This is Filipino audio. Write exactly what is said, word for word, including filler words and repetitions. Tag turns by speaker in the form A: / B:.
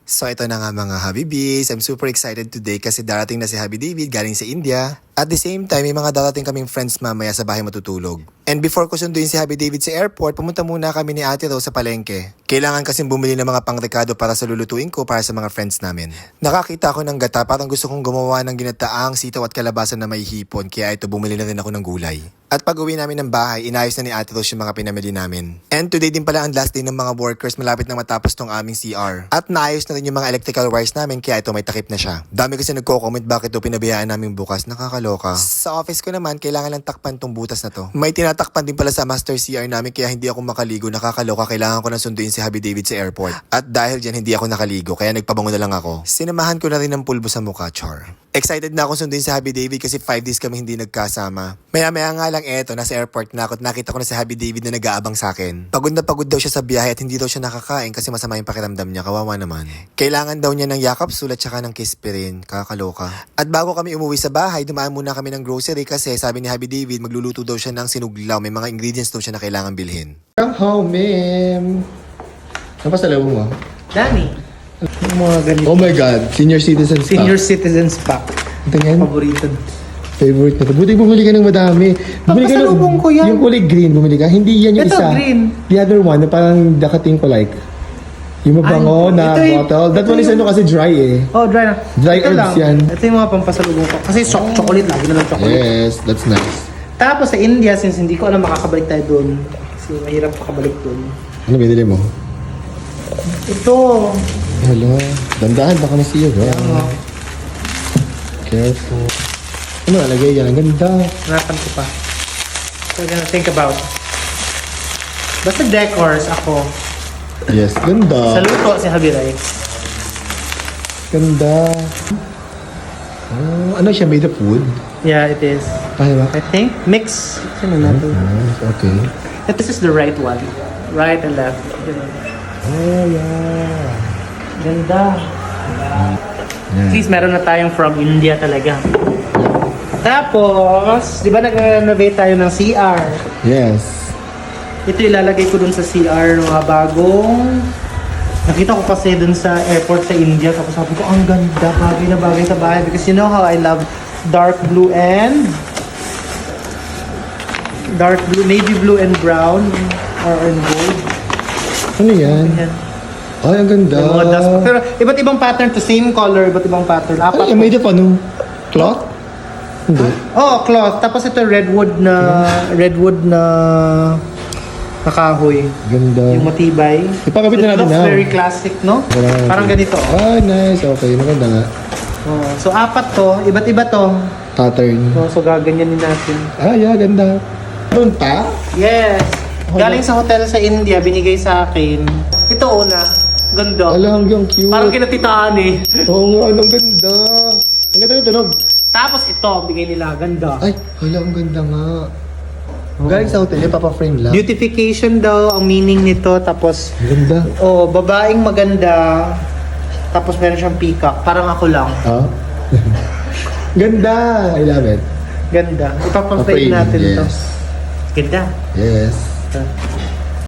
A: So ito na nga mga Habibis, I'm super excited today kasi darating na si Habi David galing sa India. At the same time, may mga darating kaming friends mamaya sa bahay matutulog. And before ko sunduin si Habi David sa airport, pumunta muna kami ni Ate Rose sa palengke. Kailangan kasing bumili ng mga pangrekado para sa lulutuin ko para sa mga friends namin. Nakakita ako ng gata, parang gusto kong gumawa ng ginataang sitaw at kalabasan na may hipon, kaya ito bumili na rin ako ng gulay. At pag uwi namin ng bahay, inayos na ni Ate Rose yung mga pinamili namin. And today din pala ang last day ng mga workers, malapit na matapos tong aming C R. At naayos na rin yung mga electrical wires namin, kaya ito may takip na siya. Dami kasi nagko-comment bakit ito pinabayaan namin bukas, nakakaloka. Sa office ko naman, kailangan lang takpan tong butas na to. May tinatakpan din pala sa master C R namin, kaya hindi ako makaligo, nakakaloka, kailangan ko na sunduin si Habi David sa airport. At dahil dyan, hindi ako nakaligo, kaya nagpabango na lang ako. Sinamahan ko na rin ng pulbo sa mukha, char. Excited na ako sunduin si Habi David kasi five days kami hindi nagkasama. Maya-maya nga lang eto, nasa airport na ako at nakita ko na si Habi David na nag-aabang sa akin. Pagod na pagod daw siya sa biyahe at hindi daw siya nakakain kasi masama yung pakiramdam niya, kawawa naman. Kailangan daw niya ng yakap sulat tsaka ng kiss pa rin, kakaloka. At bago kami umuwi sa bahay, dumaan muna kami ng grocery kasi sabi ni Habi David magluluto daw siya ng sinuglaw, may mga ingredients daw siya na kailangan bilhin.
B: How, ma'am? Ano pa sa labo mo?
C: Dami. Yung mga ganito.
B: Oh my God, senior citizens pack.
C: Senior Citizens Pack.
B: Ito yan,
C: Paborito.
B: favorite na to. Buti bumili ka ng madami. Bumili ka ng,
C: Papasalubong ko yan.
B: yung kulay green, bumili ka. Hindi yan yung
C: Ito,
B: isa.
C: green.
B: The other one, na parang dakating ko like. Yung mabango
C: Ay,
B: na
C: ito yung-
B: bottle. That
C: ito
B: one is
C: yung-
B: ano kasi dry eh.
C: Oh, dry na.
B: Dry
C: Ito
B: herbs
C: lang.
B: yan.
C: Ito yung mga pampasalubong ko. Kasi cho- chocolate, lagi na lang chocolate.
B: Yes, that's nice.
C: Tapos sa India, since hindi ko alam makakabalik tayo doon. Kasi mahirap makabalik doon.
B: Ano binili mo?
C: Ito.
B: Hello. Dandahan, baka masiyo.
C: Ano,
B: Careful. Ano nalagay yan? Ang ganda.
C: hanapan ko pa. So, I'm gonna think about. Basta decors ako.
B: Yes,
C: Sa
B: ganda.
C: luto si Habi Rai.
B: Ganda. Oh, ano siya? Made of wood?
C: Yeah, it is.
B: Kaya ba?
C: I think mix. Ano natin?
B: Nice, okay.
C: This is the right one. Right and left. Ganun.
B: Oh, yeah.
C: Ganda.
B: Yeah.
C: At least meron na tayong from India talaga. Tapos, di ba nag-renovate tayo ng C R?
B: Yes.
C: Ito ilalagay ko dun sa C R ng mga bagong... Nakita ko kasi dun sa airport sa India. Tapos sabi ko, ang ganda, bagay na bagay sa bahay. Because you know how I love dark blue and... Dark blue, navy blue and brown. Or and gold.
B: Ano yan?
C: Yan.
B: Ay, ang ganda.
C: Yung mga dust. Pero iba't ibang pattern to same color, iba't ibang pattern.
B: Ano
C: Apat.
B: yan? Made of ano? Cloth? Hindi.
C: Oh, cloth. Tapos ito redwood na redwood na nakahoy.
B: Ganda.
C: Yung matibay.
B: Ipakabit na
C: It
B: natin
C: looks
B: na.
C: very classic, no?
B: Wala na
C: Parang
B: natin.
C: ganito.
B: Ah, nice. Okay, maganda nga.
C: Oh, so apat to, iba't iba to.
B: Pattern.
C: Oh, so gaganyanin natin.
B: Ah, yeah, ganda. Doon pa?
C: Yes. Galing sa hotel sa India, binigay sa akin. Ito una. Ganda.
B: Ala, hanggang cute.
C: Parang kinatitaan eh.
B: Oo nga, ang ganda. Ang ganda ng tunog.
C: Tapos ito, bigay nila. Ganda.
B: Ay, hala, ang ganda nga. Galing sa hotel, yung papa-frame lang.
C: Beautification daw ang meaning nito. Tapos,
B: Ang ganda.
C: oh, babaeng maganda. Tapos meron siyang peacock. Parang ako lang.
B: Ha? Ganda. I love it.
C: Ganda. Ipapaframe
B: Pa-frame,
C: natin to.
B: yes.
C: Ganda.
B: Yes.
C: Ito.